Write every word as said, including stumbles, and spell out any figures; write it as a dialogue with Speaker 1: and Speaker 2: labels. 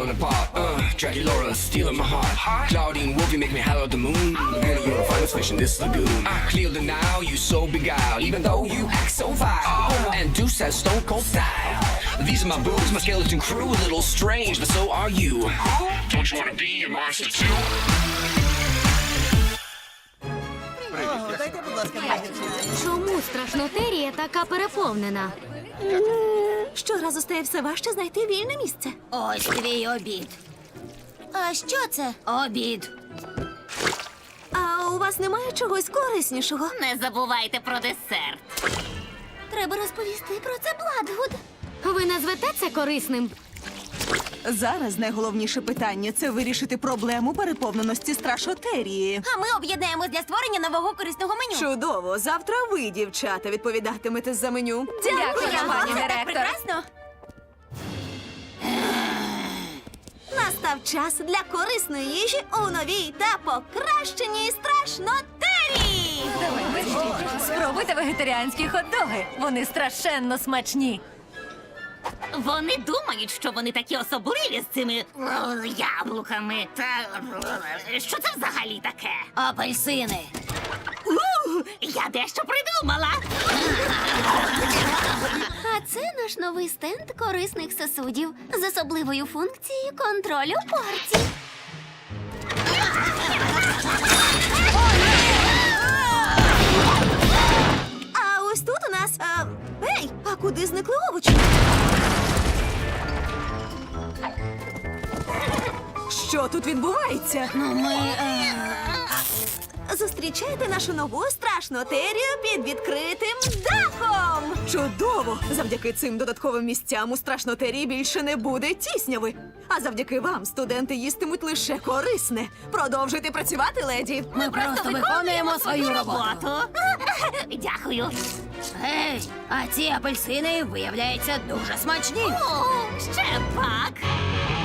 Speaker 1: falling apart. Uh, Dracula stealing my heart. Claudine Wolf, you make me holler at the moon. Girl, you're a finest fish in this lagoon. I clear the now, you so beguiled, even though you act so vile. And Deuce has stone cold style. These are my boobs, my skeleton crew, a little strange, but so are you. Don't you wanna be a monster too?
Speaker 2: Чому страшнотерія така переповнена?
Speaker 3: Щоразу стає все важче знайти вільне місце.
Speaker 4: Ось твій обід.
Speaker 3: А що це?
Speaker 4: Обід.
Speaker 3: А у вас немає чогось кориснішого?
Speaker 4: Не забувайте про десерт.
Speaker 3: Треба розповісти про це Бладгуд.
Speaker 2: Ви назвете це корисним?
Speaker 5: Зараз найголовніше питання – це вирішити проблему переповненості страшотерії.
Speaker 3: А ми об'єднаємось для створення нового корисного меню.
Speaker 5: Чудово! Завтра ви, дівчата, відповідатимете за меню.
Speaker 3: Дякую,
Speaker 4: пані
Speaker 3: це так
Speaker 4: директор.
Speaker 3: прекрасно. Настав час для корисної їжі у новій та покращеній страшнотерії.
Speaker 6: Спробуйте вегетаріанські хот-доги. Вони страшенно смачні.
Speaker 4: Вони думають, що вони такі особливі з цими е, яблуками. Та е, що це взагалі таке?
Speaker 3: Апельсини.
Speaker 4: У, я дещо придумала.
Speaker 2: А це наш новий стенд корисних сосудів з особливою функцією контролю порцій.
Speaker 3: А ось тут у нас... А... Ей, а куди зникли овочі?
Speaker 5: Що тут відбувається?
Speaker 3: Ну, ми... Е... Зустрічайте нашу нову страшнотерію під відкритим дахом!
Speaker 5: Чудово! Завдяки цим додатковим місцям у страшнотерії більше не буде тісняви. А завдяки вам студенти їстимуть лише корисне. Продовжуйте працювати, леді.
Speaker 4: Ми просто виконуємо свою роботу. Дякую.
Speaker 3: Ей, а ці апельсини, виявляється, дуже смачні.
Speaker 4: О, ще пак.